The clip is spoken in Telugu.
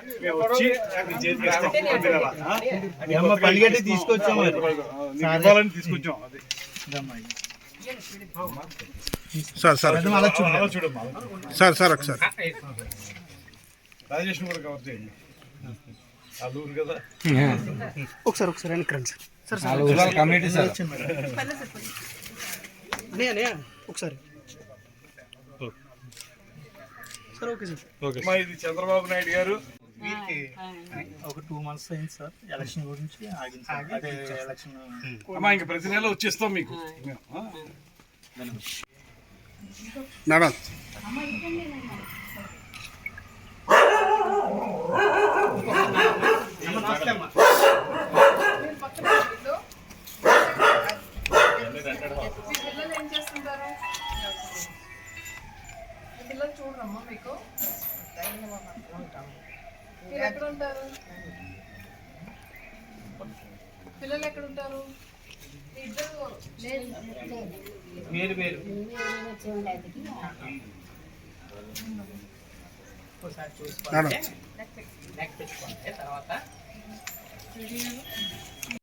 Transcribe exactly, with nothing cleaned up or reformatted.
పనిగట్టి తీసుకొచ్చాం తీసుకొచ్చాం సార్ సార్ సార్ సార్ ఒకసారి రాజేష్ కూడా కవర్ చేయండి కదా ఒకసారి ఒకసారి వెనక్కి సార్ కమ్యూనిటీ సార్ ఒకసారి సార్ ఓకే సార్ ఓకే ఇది చంద్రబాబు నాయుడు గారు వీరికి ఒక టూ మంత్స్ అయింది సార్ ఎలక్షన్ గురించి ఆగింది సార్ అదే ఎలక్షన్ అమ్మా ఇంకా ప్రతి నెల వచ్చేస్తాం మీకు మేడం పిల్లలు ఏం చేస్తుంటారు? పిల్లలు చూడరమ్మా మీకు? మీరు ఎక్కడ ఉంటారు? పిల్లలు ఎక్కడ ఉంటారు? ఇద్దరు వేరు వేరు తర్వాత